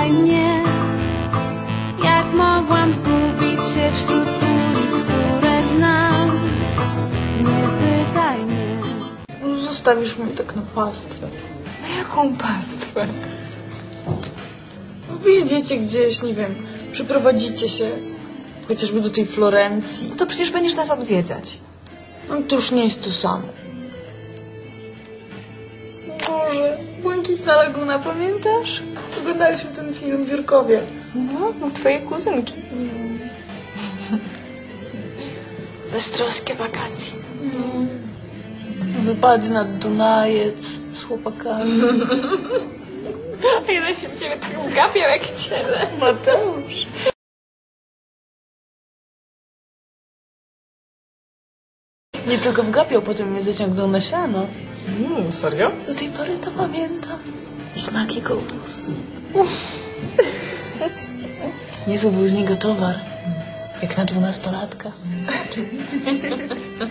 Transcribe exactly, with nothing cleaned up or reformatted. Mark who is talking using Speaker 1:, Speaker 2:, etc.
Speaker 1: pytaj mnie, jak mogłam zgubić się wśród ulic, które znam. Nie pytaj mnie.
Speaker 2: Zostawisz mnie tak na pastwę.
Speaker 3: Na jaką pastwę?
Speaker 2: Wyjedziecie gdzieś, nie wiem, przyprowadzicie się chociażby do tej Florencji.
Speaker 3: No to przecież będziesz nas odwiedzać.
Speaker 2: No to już nie jest to samo. Boże, Błękitna Laguna, pamiętasz? Oglądaliśmy ten film w Jurkowie.
Speaker 3: No, u twojej kuzynki.
Speaker 2: Beztroskie wakacje. Wypady nad Dunajec z chłopakami.
Speaker 3: A jeden się w ciebie tak gapiał jak ciele.
Speaker 2: Mateusz. Nie tylko wgapiał, potem mnie zaciągnął na siano.
Speaker 4: Mm, serio?
Speaker 2: Do tej pory to pamiętam. I smak jego ust. Niezły był z niego towar. Jak na dwunastolatka.